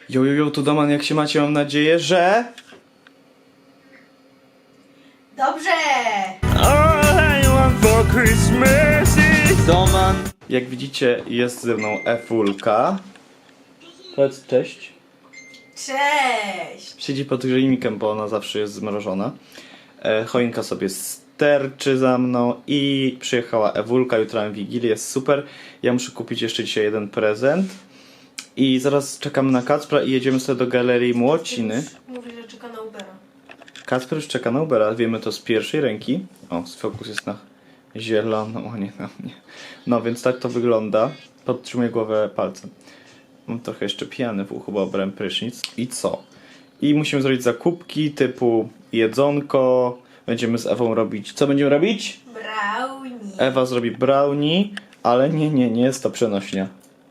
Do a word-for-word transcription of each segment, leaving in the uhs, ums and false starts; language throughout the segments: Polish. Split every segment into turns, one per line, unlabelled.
Jo, jo, jo, tu Doman, jak się macie? Mam nadzieję, że...
Dobrze!
All I want for Christmas is...
Doman! Jak widzicie, jest ze mną Ewulka. Powiedz cześć.
Cześć!
Siedzi pod grzejnikiem, bo ona zawsze jest zmrożona. E, choinka sobie sterczy za mną i przyjechała Ewulka, jutro mam Wigilię, jest super. Ja muszę kupić jeszcze dzisiaj jeden prezent. I zaraz czekamy na Kacpra i jedziemy sobie do Galerii Młociny.
Mówi, że czeka na Ubera.
Kacper już czeka na Ubera, wiemy to z pierwszej ręki. O, fokus jest na zieloną, a nie na mnie. No więc tak to wygląda. Podtrzymuję głowę palcem. Mam trochę jeszcze pijany w uchu, bo brałem prysznic. I co? I musimy zrobić zakupki typu jedzonko. Będziemy z Ewą robić... Co będziemy robić?
Brownie.
Ewa zrobi brownie, ale nie, nie, nie jest to przenośnia.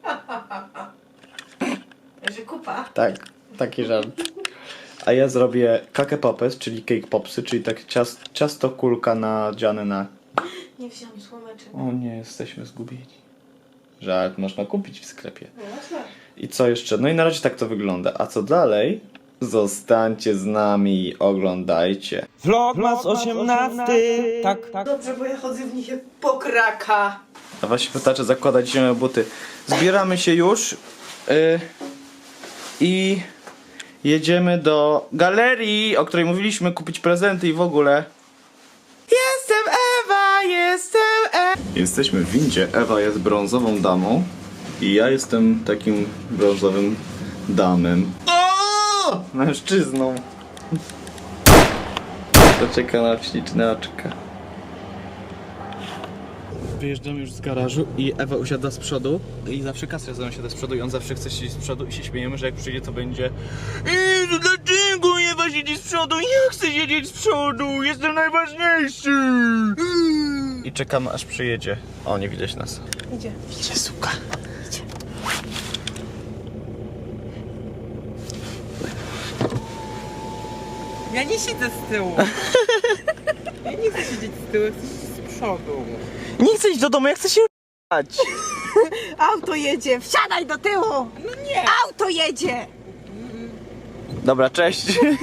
Że kupa.
Tak, taki żart. A ja zrobię kake popes, czyli cake popsy, czyli tak ciast, ciasto kulka nadziane na...
Nie wziąłem słomeczek.
O nie, jesteśmy zgubieni. Żart można kupić w sklepie.
No,
I co jeszcze? No i na razie tak to wygląda. A co dalej? Zostańcie z nami i oglądajcie.
Vlogmas osiemnasty. Tak, tak.
Dobrze, bo ja chodzę w nich jak pokraka.
A właśnie pytacze zakładać zimowe buty. Zbieramy się już yy, i jedziemy do galerii, o której mówiliśmy, kupić prezenty i w ogóle. Jestem Ewa, jestem Ewa. Jesteśmy w windzie. Ewa jest brązową damą i ja jestem takim brązowym damem. O! Mężczyzną. To czeka na śliczne oczka. Wyjeżdżamy już z garażu i Ewa usiada z przodu i zawsze Kasja ze mną siada z przodu i on zawsze chce siedzieć z przodu i się śmiejemy, że jak przyjdzie to będzie Eee, to dlaczego Ewa siedzi z przodu? Ja chcę siedzieć z przodu, jestem najważniejszy! I czekamy aż przyjedzie. O, nie widać nas.
Idzie.
Idzie, suka.
Idzie.
Ja nie siedzę z tyłu. Ja nie chcę siedzieć z tyłu, chcę siedzieć z przodu.
Nie chcę iść do domu, ja chcę się r***ać.
Auto jedzie, wsiadaj do tyłu!
No nie!
Auto jedzie!
Dobra, cześć.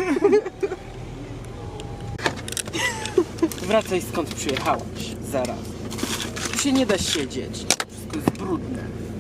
Wracaj skąd przyjechałaś, zaraz. Tu się nie da siedzieć, wszystko jest brudne.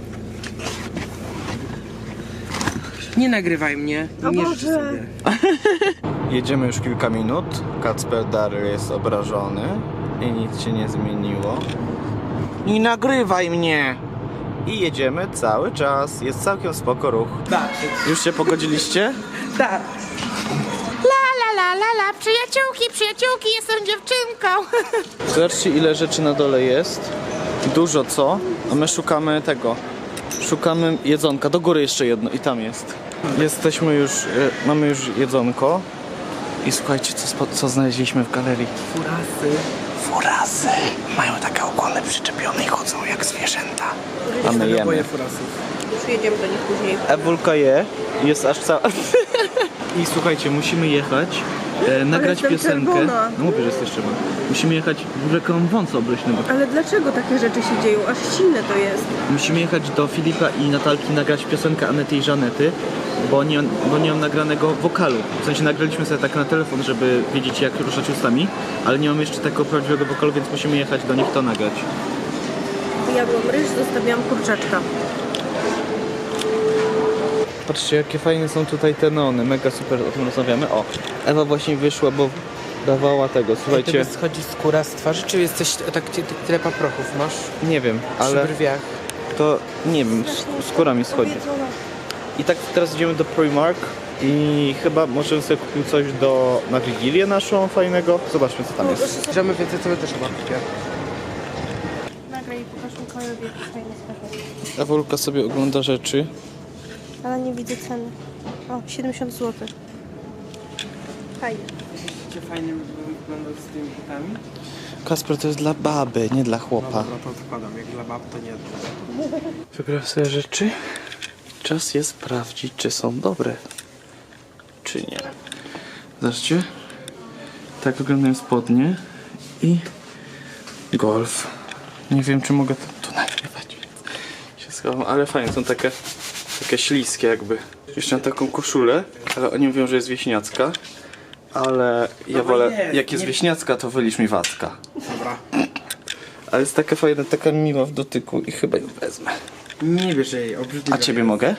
Nie nagrywaj mnie,
O
nie
Boże.
życzę sobie.
Jedziemy już kilka minut. Kacper Dary jest obrażony i nic się nie zmieniło. Nie nagrywaj mnie! I jedziemy cały czas. Jest całkiem spoko ruch.
Tak,
Już się pogodziliście?
tak.
La la la la, przyjaciółki, przyjaciółki, jestem dziewczynką.
Zobaczcie, ile rzeczy na dole jest. Dużo co? A my szukamy tego. Szukamy jedzonka. Do góry jeszcze jedno i tam jest. Jesteśmy już, e, mamy już jedzonko. I słuchajcie, co, spo- co znaleźliśmy w galerii.
Furasy.
Furasy. Mają takie ogony przyczepione i chodzą jak zwierzęta. A my
Boję
jemy.
furasów.
Już jedziemy do nich później.
Ewulka je. Jest aż cała... I słuchajcie, musimy jechać, e, nagrać
jestem
piosenkę.
czerwona.
No mówię, że jesteś czerwona. Musimy jechać, w ogóle koło wąsa obleśny, bo
Ale dlaczego takie rzeczy się dzieją? Aż silne to jest.
musimy jechać do Filipa i Natalki, nagrać piosenkę Anety i Żanety, bo nie, bo nie mam nagranego wokalu. W sensie nagraliśmy sobie tak na telefon, żeby wiedzieć, jak ruszać ustami, ale nie mam jeszcze takiego prawdziwego wokalu, więc musimy jechać do nich to nagrać.
Jadłam ryż, zostawiłam kurczaczka.
Patrzcie, jakie fajne są tutaj te neony, mega super, o tym rozmawiamy. O, Ewa właśnie wyszła, bo dawała tego, słuchajcie,
Tobie schodzi skóra z twarzy, czy jesteś tak, ty, ty, tyle paprochów masz
nie wiem, ale
przy brwiach?
to, nie wiem, sk- skóra mi schodzi. I tak teraz idziemy do Primark i chyba możemy sobie kupić coś do, na Wigilię naszą fajnego. Zobaczmy, co tam jest.
Bierzemy więcej, co my też chyba kupię.
Nagraj i pokaż Mikołajowi, jaki fajny skarpet.
Ewulka sobie ogląda rzeczy.
Ale nie widzę ceny. O, siedemdziesiąt złotych. Fajnie.
Czy fajnie wyglądał z tymi butami?
Kasper, to jest dla baby, nie dla chłopa.
No to odkładam, jak dla bab to nie.
Wybrałem sobie rzeczy. Czas jest sprawdzić, czy są dobre, czy nie. Zobaczcie. Tak wyglądają spodnie i golf. Nie wiem, czy mogę to tu nagrywać, więc się schowam, ale fajnie, są takie Takie śliskie jakby. Jeszcze mam taką koszulę, ale oni mówią, że jest wieśniacka. Ale ja wolę,
jest,
jak jest
nie-
wieśniacka, to wylisz mi Wacka.
Dobra.
Ale jest taka fajna, taka miła w dotyku i chyba ją wezmę.
Nie bierz jej, obrzydliwe.
A ciebie mogę?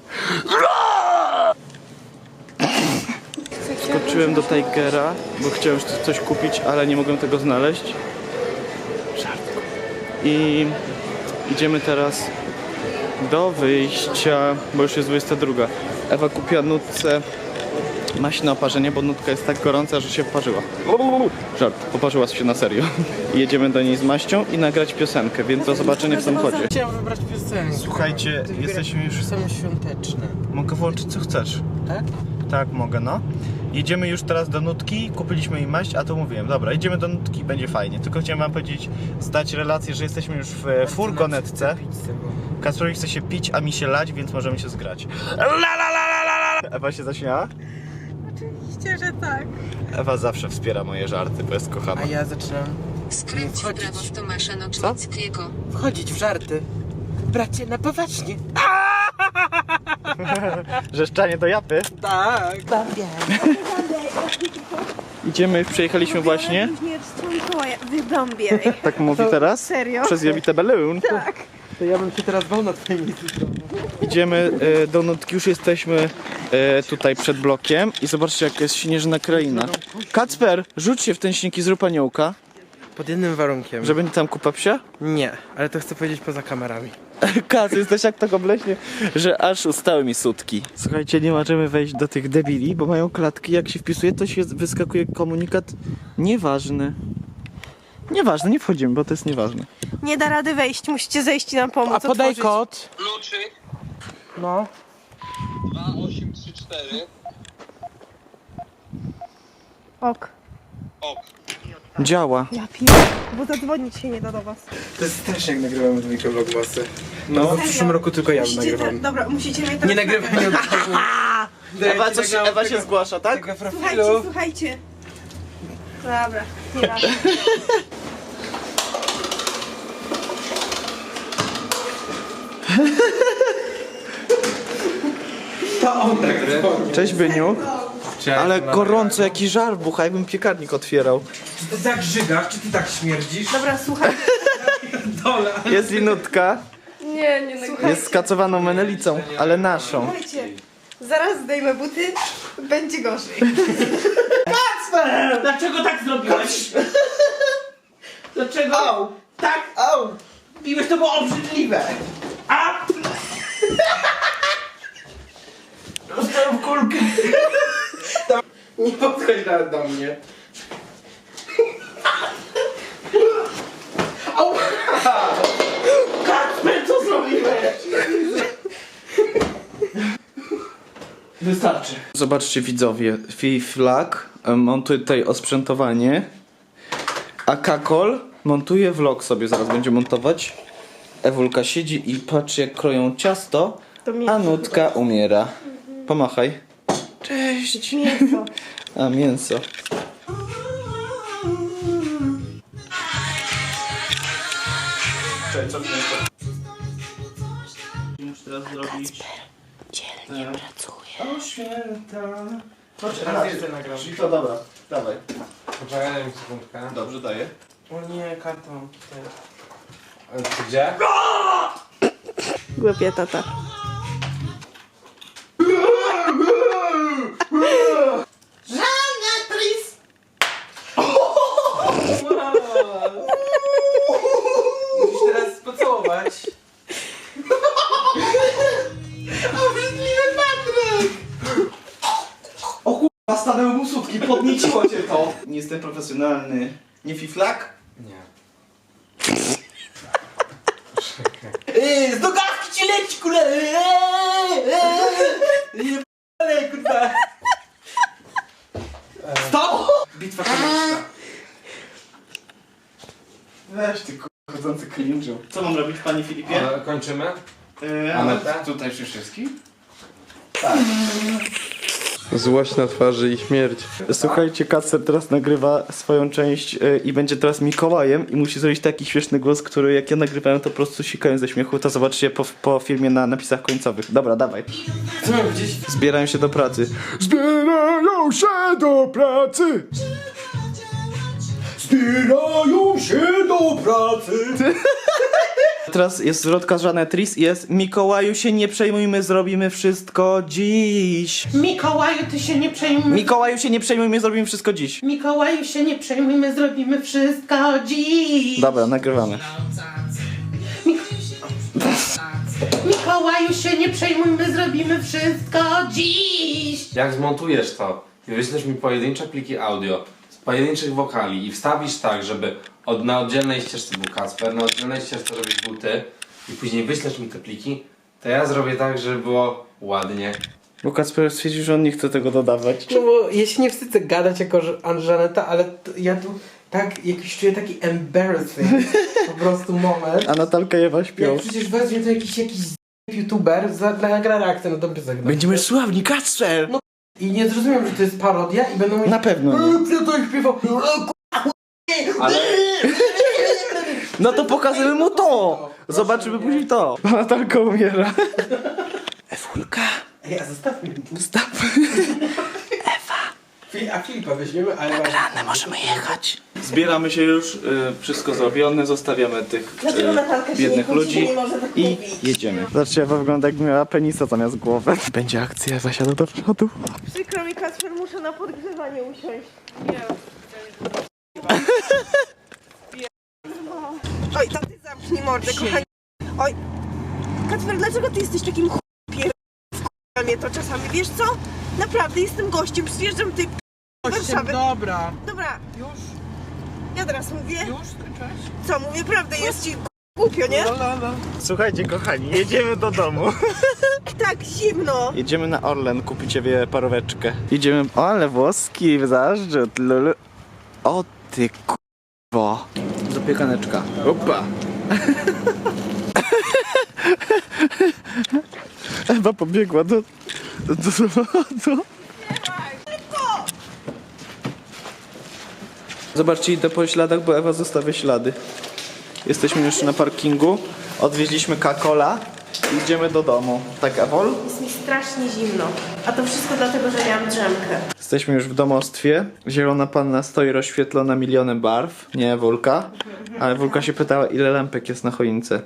Skoczyłem do Tigera, bo chciałem już coś kupić, ale nie mogłem tego znaleźć. Żartku. I idziemy teraz do wyjścia, bo już jest dwudziesta druga. Ewa kupiła nutce maść na oparzenie, bo nutka jest tak gorąca, że się poparzyła. Żart, poparzyła się na serio. I jedziemy do niej z maścią i nagrać piosenkę, więc do zobaczenia w samochodzie.
Chciałem wybrać piosenkę.
Słuchajcie,
Ty
jesteśmy już...
Są świąteczne.
Mogę włączyć co chcesz.
Tak?
Tak, mogę, no. Jedziemy już teraz do nutki, kupiliśmy jej maść, a to mówiłem, dobra, idziemy do nutki, będzie fajnie. Tylko chciałem wam powiedzieć, zdać relację, że jesteśmy już w e, furgonetce. Kacprowi chce się pić, a mi się lać, więc możemy się zgrać. La la la la la la. Ewa się zaśmiała?
Oczywiście, że tak.
Ewa zawsze wspiera moje żarty, bo jest kochana.
A ja zaczynam
Skręć w
Wchodzić.
prawo w Tomasza Nocznickiego.
wchodzić w żarty. Bracie, na poważnie.
Rzeszczanie do japy.
Tak.
Idziemy, przejechaliśmy właśnie.
Wydąbiej.
Tak mówi teraz?
Serio?
Przez Jowite Balloon.
Tak.
To ja bym się teraz bał na twoim miejscu.
Idziemy e, do nutki, już jesteśmy e, tutaj przed blokiem i zobaczcie jak jest śnieżna kraina. Kacper, rzuć się w ten śnieg i zrób aniołka,
Pod jednym warunkiem.
że będzie tam kupa psia.
Nie, ale to chcę powiedzieć poza kamerami.
Kac, jesteś jak tak obleśnie, że aż ustały mi sutki. Słuchajcie, nie możemy wejść do tych debili, bo mają klatki, jak się wpisuje, to się wyskakuje komunikat nieważny. Nieważne, nie wchodzimy, bo to jest nieważne.
Nie da rady wejść, musicie zejść i nam pomóc.
A podaj
otworzyć.
kod.
Kluczyk
No.
dwa osiem trzy cztery.
Ok.
Ok.
Działa.
Ja piję, bo zadzwonić się nie da do was.
To jest strasznie jak nagrywamy dwójkę vlogmasy.
No.
No, w przyszłym roku tylko ja
Musicie
nagrywam.
te- Dobra, musicie mnie teraz...
Nie nagrywam, nie odpalę.
Ewa, coś, Ewa się zgłasza, tak?
Tego
Słuchajcie,
profilu.
słuchajcie. Dobra, nie da.
To on nagrywa.
Cześć Byniu. Ale gorąco, jaki żar bucha, jakbym piekarnik otwierał.
Czy ty tak żygasz, czy ty tak śmierdzisz?
Dobra, słuchajcie.
Dole.
Jest i nutka,
Nie, nie nagrywam.
jest skacowaną menelicą, ale naszą.
Słuchajcie, zaraz zdejmę buty, będzie gorzej.
Dlaczego tak zrobiłeś? Dlaczego? Au. Tak? Au. Biłeś, to było obrzydliwe. A! Dostałem kulkę.
Nie podchodź nawet do mnie.
Kacper, co zrobiłeś? Wystarczy.
Zobaczcie widzowie, Fiflak montuje tutaj osprzętowanie, a Kakol montuje vlog sobie, zaraz będzie montować. Ewulka siedzi i patrzy jak kroją ciasto,
To mięso
a Nutka umiera. Pomachaj.
Cześć. Mięso.
A mięso. Cześć, co mięso? Muszę teraz zrobić...
Dzielnie pracuje.
O święta. Chodź,
Raz jeszcze nagram.
Czyli to dobra, dawaj.
Poczekaj, daj mi sekundkę.
Dobrze, daję.
O nie, kartą.
A ty gdzie?
Głupia tata.
Musisz teraz pocałować.
A stanęły mu sutki, podnieciło cię to. Nie jestem profesjonalny. Nie Fiflak?
Nie.
Yy, z nogawki ci leci, kule! Nie p***le, kurwa! Stop!
Bitwa komiczna. Weź ty k***, chodzący cringe'u. Co mam robić, panie Filipie?
A, kończymy?
Yy,
A metę?
tutaj przy wszystkim?
Złość na twarzy i śmierć.
Słuchajcie, Kacper teraz nagrywa swoją część y, i będzie teraz Mikołajem i musi zrobić taki śmieszny głos, który jak ja nagrywałem, to po prostu sikałem ze śmiechu. To zobaczcie po, po filmie na napisach końcowych. Dobra, dawaj.
Co mam gdzieś?
Zbierają się do pracy.
Zbierają się do pracy! Zbierają się do pracy!
Teraz jest zwrotka z Żanetris i jest Mikołaju się nie przejmujmy, zrobimy wszystko dziś.
Mikołaju, ty się nie przejmuj.
Mikołaju się nie przejmujmy, zrobimy wszystko dziś.
Mikołaju się nie przejmujmy, zrobimy wszystko dziś.
Dobra, nagrywamy.
Mikołaju się nie przejmujmy, zrobimy wszystko dziś.
Jak zmontujesz to i wyślesz mi pojedyncze pliki audio z pojedynczych wokali i wstawisz tak, żeby od, na oddzielnej ścieżce był Kacper, na oddzielnej ścieżce żebyś był ty i później wyślesz mi te pliki, to ja zrobię tak, żeby było ładnie.
Bo Kacper stwierdził, że on nie chce tego dodawać.
No bo ja się nie wstydzę gadać jako Żan- Żaneta, ale t- ja tu tak jakiś czuję taki embarrassing po prostu moment.
A Natalka i Ewa śpią.
Jak przecież weźmie to jakiś jakiś z- youtuber za, dla nagra reakcję na dobry zagrać.
Będziemy sławni, Kacper!
No. I nie zrozumiem, że to jest parodia i będą mówić...
Na pewno nie.
"Eee, kto to śpiewał?
Ale
No to pokażemy mu to! Zobaczymy później to. A Natalka umiera. Ewulka.
Ej, a zostawmy mi.
Stop.
Fi- A Filipa weźmiemy, ale...
Rany, możemy jechać. Zbieramy się już, y, wszystko zrobione, zostawiamy tych
Dlaczego Natalka
y,
się nie
biednych
kłóci,
ludzi
nie może tak
i
mówić?
jedziemy. Zobaczcie, Ewa wygląda jakby miała penisa zamiast głowy. Będzie akcja, zasiada do przodu.
Przykro mi, Kacper, muszę na podgrzewanie usiąść. Oj, to ty zamknij mordę, kochani. Oj, Kacper, dlaczego ty jesteś takim ch... pier... Wkurza mnie to czasami, wiesz co? Naprawdę, jestem gościem, przyjeżdżam ty do Warszawy.
Dobra.
Dobra,
Już?
ja teraz mówię.
Już skończyłeś?
Co mówię, prawdę, jest ci głupio, nie?
Słuchajcie, kochani, jedziemy do domu.
Tak, zimno.
Jedziemy na Orlen, kupić sobie paróweczkę. Jedziemy... O, ale włoski, zaszczyt, lulu. O ty k***wo. Zapiekaneczka. Opa. Ewa pobiegła do... do, do samochodu. Zobaczcie, idę po śladach, bo Ewa zostawia ślady. Jesteśmy już na parkingu. Odwieźliśmy Kakola i idziemy do domu. Tak, Ewol?
Jest mi strasznie zimno. A to wszystko dlatego, że miałam drzemkę.
Jesteśmy już w domostwie. Zielona panna stoi rozświetlona milionem barw. Nie Wulka. Ale Wulka się pytała, ile lampek jest na choince.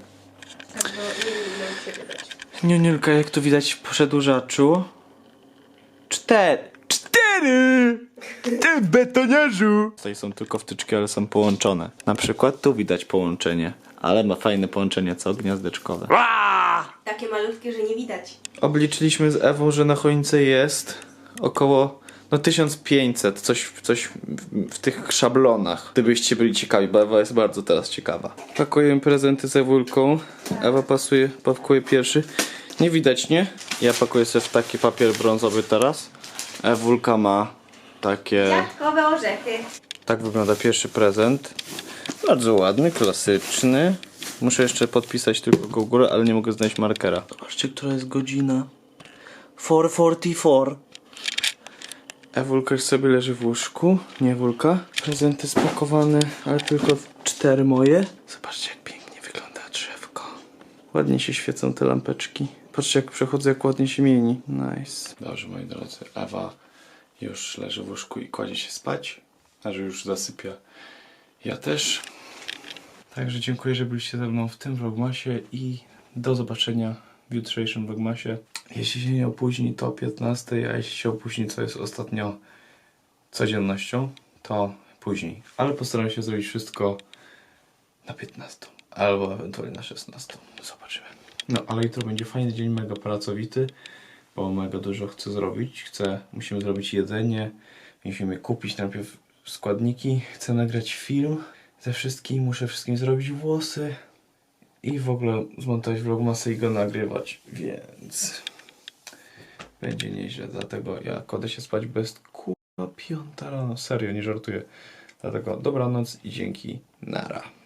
Niuniulka, jak tu widać w przedłużaczu. Cztery. Cztery! Ty betoniarzu! Tutaj są tylko wtyczki, ale są połączone. Na przykład tu widać połączenie. Ale ma fajne połączenie, co? Gniazdeczkowe.
Takie malutkie, że nie widać.
Obliczyliśmy z Ewą, że na choince jest około no tysiąc pięćset, coś, coś w, w tych szablonach. Gdybyście byli ciekawi, bo Ewa jest bardzo teraz ciekawa. Pakujemy prezenty z Ewulką. Ewa pasuje, pakuje pierwszy. Nie widać, nie? Ja pakuję sobie w taki papier brązowy teraz. Ewulka ma takie...
Jabłkowe orzechy.
Tak wygląda pierwszy prezent. Bardzo ładny, klasyczny. Muszę jeszcze podpisać tylko go u góry, ale nie mogę znaleźć markera. Zobaczcie, która jest godzina. cztery czterdzieści cztery. Ewulka już sobie leży w łóżku. Nie Ewulka. Prezenty spakowane, ale tylko cztery moje. Zobaczcie, jak pięknie wygląda drzewko. Ładnie się świecą te lampeczki. Patrzcie, jak przechodzę, jak ładnie się mieni. Nice. Dobrze, moi drodzy. Ewa już leży w łóżku i kładzie się spać. A że już zasypia. Ja też. Także dziękuję, że byliście ze mną w tym vlogmasie i do zobaczenia w jutrzejszym vlogmasie. Jeśli się nie opóźni, to o piętnastej, a jeśli się opóźni, co jest ostatnio codziennością, to później. Ale postaram się zrobić wszystko na piętnastą, albo ewentualnie na szesnastą. Zobaczymy. No, ale jutro będzie fajny dzień, mega pracowity, bo mega dużo chcę zrobić. Chcę, musimy zrobić jedzenie, musimy kupić najpierw składniki, chcę nagrać film ze wszystkim, muszę wszystkim zrobić włosy i w ogóle zmontować vlogmasy i go nagrywać, więc będzie nieźle, dlatego ja kładę się spać bez kurwa piąta rano, serio, nie żartuję, dlatego dobranoc i dzięki, nara.